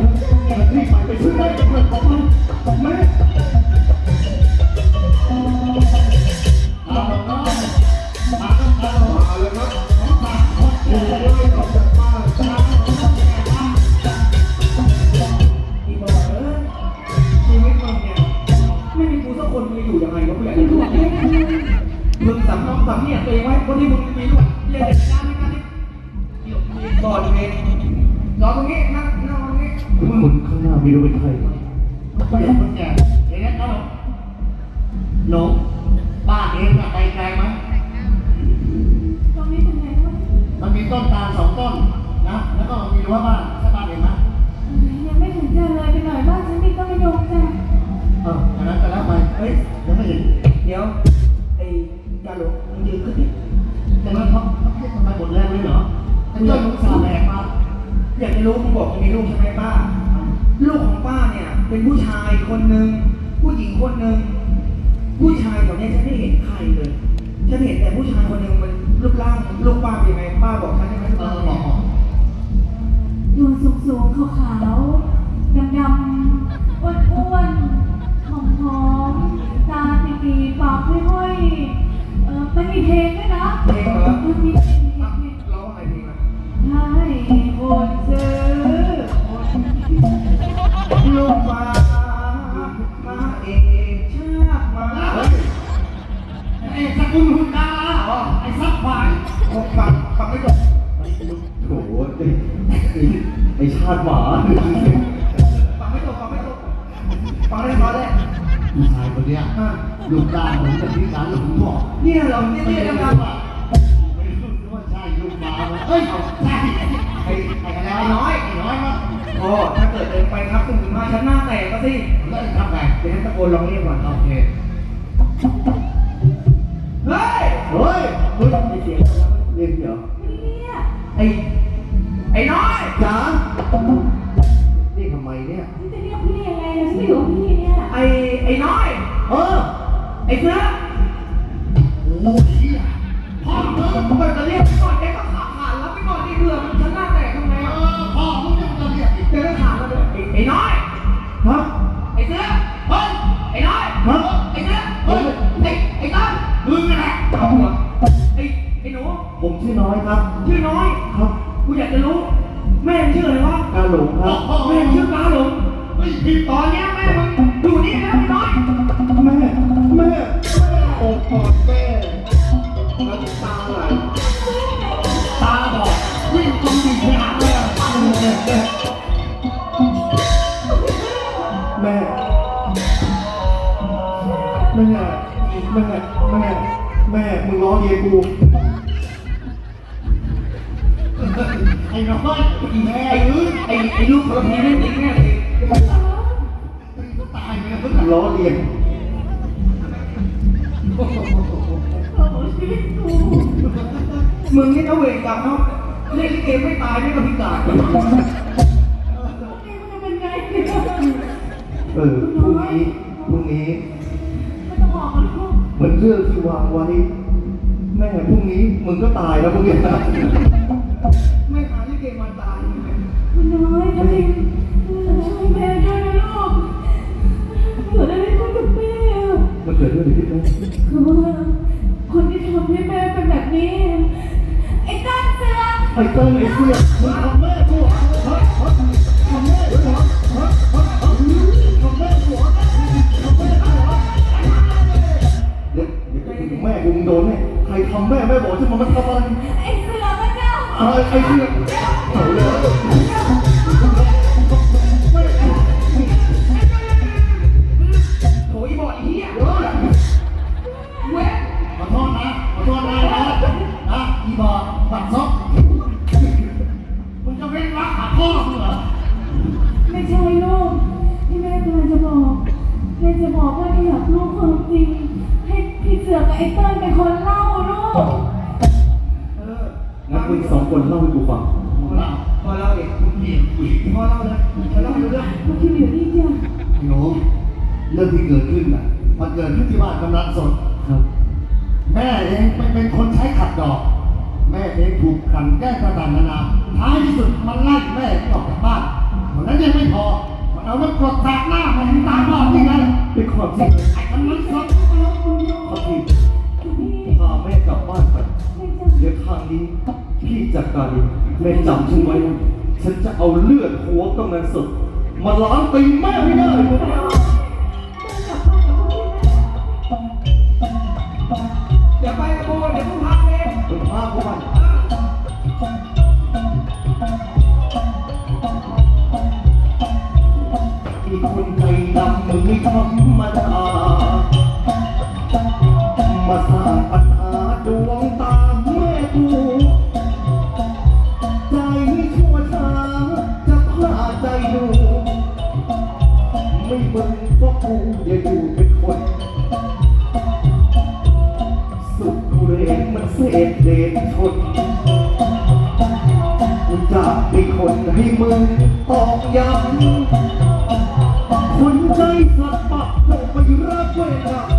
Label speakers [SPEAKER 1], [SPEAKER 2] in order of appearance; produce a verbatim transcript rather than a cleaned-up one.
[SPEAKER 1] รีบไปไปช่วยแม่ด้วยขอบคุณแม่มาแล้วมาแล้วมาเลยครับโอ้ยออกจากบ้านอีบอยเอ้ยชีวิตมึงเนี่ยไม่มีกูสักคนมึงอยู่ยังไงวะกูอยากจะรู้มึงสำน้องสำเนี่ยตัวเองไว้คนที่มึงมีด้วยเรียนเด็กน้ำไม่กันนี่ก่อนเองรอตรงนี้นั่งนั่งตรงนี้คุณข้างหน้าไม่รู้เป็นใครไม่รู้เป็นแก่เองนะครับหนูบ้านเองอะไปไกลไหม
[SPEAKER 2] ตรงนี้เป็นไงวะ
[SPEAKER 1] มันมีต้นตาลสองต้นนะแล้วก็มีรั้วบ้านใช่บ้านเองไหม
[SPEAKER 2] ยังไม่ถึงเจอเลยไปหน่อยบ้านฉันมีต้นมะยมจ้ะ
[SPEAKER 1] เอออันนั้นก็แล้วไปเฮ้ยยังไม่เห็นเดี๋ยวไอ้กาหลงมันยืนขึ้นดิแต่ว่าเขาเขาทำไมหมดแรงเลยเหรอไอ้เจ้าลูกสาวแหลกมาอยากจะรู้มึงบอกมึงมีลูกใช่ไหมป้าลูกของป้าเนี่ยเป็นผู้ชายคนหนึ่งผู้หญิงคนหนึ่งผู้ชายแถวนี้ฉันไม่เห็นใครเลยฉันเห็นแต่ผู้ชายคนหนึ่งมันรูปร่างลูกป้าเป็นยังไงป้าบอกฉันได้ไหมเออบอก
[SPEAKER 2] ตัวสูงๆขาวๆดำๆอ้วนๆหอมๆตาตีๆปากห้อยๆเออมันมีเพลงด้วยนะ
[SPEAKER 1] เพลงเหรอ
[SPEAKER 2] มันมีเพลง
[SPEAKER 1] ร้องอะไรเพลงอ่ะ
[SPEAKER 2] ให้คนซื้อ
[SPEAKER 1] ลูกฟ้ามาเอกชาติมาไอ้สกุลหุ่นดาไอ้ซับควายฟังฟังไม่จบโอ้โหไอ้ชาติหมาฟังไม่จบฟังไม่จบฟังได้ฟังได้ผู้ชายคนเนี้ยลูกตาเหมือนกับที่ร้านหลวงพ่อเนี่ยเราเนี่ยเนี่ยนะครับไม่รู้ว่าใช่ลูกหมาไหมเอ้ยใช่ไอ้ไอ้อะไรน้อยไอ้น้อยมั้งโอ้ถ้าเกิดเดินไปครับถึงมาชั้นหน้าแตกก็สิแล้วทำไงเดี๋ยวตะโกนร้องเรียกก่อนโอเคเฮ้ยเฮ้ยเฮ้ยไอเสียงเรียกเหรอไอไอ้น้อยจ๋าเรียกทำไมเนี่ย
[SPEAKER 2] จะเรียกพี่ยังไงล่ะฉันไม่อยู่กับพี่เนี่ย
[SPEAKER 1] ไอไอ้น้อยเออไอ้เสือโอ้ยพ่อมึงเปิดจะเรียกไปก่อนแกก็ขาขาดแล้วไปก่อนดิเบื่อมันชั้นหน้าแตกทำไงเออพ่อมึงจะมาเรียกอีกแกก็ขาดแล้วเลยไอ้น้อยฮะไอ้เสือเฮ้ยไอ้น้อยฮะไอ้เสือเฮ้ยไอ้ไอ้ต้นมึงนะเอาเหรอไอ้ไอ้หนูผมชื่อน้อยครับชื่อน้อยครับกูอยากจะรู้แม่ชื่ออะไรวะกาหลงครับแม่ชื่อกาหลงไม่ผิดตอนนี้แม่มึงอยู่นี่แล้วไอ้น้อยแม่แม่โอ้กอดแม่น้ำตาไหลตาบอกวิ่งจนดิ่งไปหาแม่แม่แม่แม่แม่แม่แม่มึงร้องเยกูไอ้น้อยแม่ไอ้อื้อไอ้ไอ้ลูกคนนี้ไม่จริงแน่เลยตายไปแล้วล้อเลียนมึงนี่เอาเวรกรรมเนาะเล่นลิเกไม่ตายไม่ก็พิการเออพรุ่งนี้พรุ่งนี้เหมือนเรื่องที่วางไว้แม่พรุ่งนี้มึงก็ตายแล้วพรุ่งนี้ไม่หาลิเกมาตาย
[SPEAKER 2] คุณน้อยนะพี่ช่วยแม่ด้วยนะลูกเกิดอะไรขึ้นกับแม่
[SPEAKER 1] มันเกิดเรื่องอะไรขึ้นไหม
[SPEAKER 2] คือว่าคนที่ทำให้แม่เป็นแบบนี้ไอ้ต้นเสือ
[SPEAKER 1] ไอ้ต้นไอ้เสือมึงทำแม่กูฮะฮะทำแม่กูฮะฮะฮะทำแม่กูฮะทำแม่กูฮะเดี๋ยวเดี๋ยวไปถึงแม่กูมึงโดนแน่ใครทำแม่แม่บอกจะมามันทำอะไร
[SPEAKER 2] ไอ้เสือพระเจ้า
[SPEAKER 1] ไอ้ไอ้เสือเอาเลยโอ้ยบอกอีเหี้ยเว้ยเว้ยขอโทษนะขอโทษนะนะนะอีบอกบัดซบมึงจะเว้นวรรคหาพ่อมึงเหรอ
[SPEAKER 2] ไม่ใช่ลูกที่แม่กำลังจะบอกแม่จะบอกว่าที่อยากรู้ความจริงให้พี่เสือกับไอ้เติ้ลเป็นคนเล่าลูก
[SPEAKER 1] เอองั้นคุณสองคนเล่าให้กูฟังพอเล่าพอเล่าเองคุณพี่พอเล่าเลยจะเล่าให้รู้เรื่อง
[SPEAKER 2] คุณพี่อยู่นี่จ้ะ
[SPEAKER 1] หนูเรื่องที่เกิดขึ้นน่ะมันเกิดขึ้นที่บ้านกำนันสดครับแม่เองเป็นเป็นคนใช้ขัดดอกแม่เองถูกขันแก้ต่างๆนานาท้ายที่สุดมันไล่แม่ออกจากบ้านเท่านั้นยังไม่พอสิไอ้มันมันสดขอบพี่พาแม่กลับบ้านไปเดี๋ยวทางนี้พี่จัดการเองแม่จำฉันไว้นะฉันจะเอาเลือดหัวกำนันสดมาล้างตีแม่ให้ได้เดี๋ยวไปกับโบเดี๋ยวกูพาเองมึงพากูไปอีกคนใจดำมึงไม่ธรรมดามาสร้างปัญหาดวงตาแม่กูใจชั่วช้าจะพาใจดูไม่มึงก็กูอย่าอยู่เป็นคนสุดกูเรนมันเศษเดชชนกูจะเป็นคนให้มึงตอกย้ำคนใจสัตว์ปักลงไปรักเวร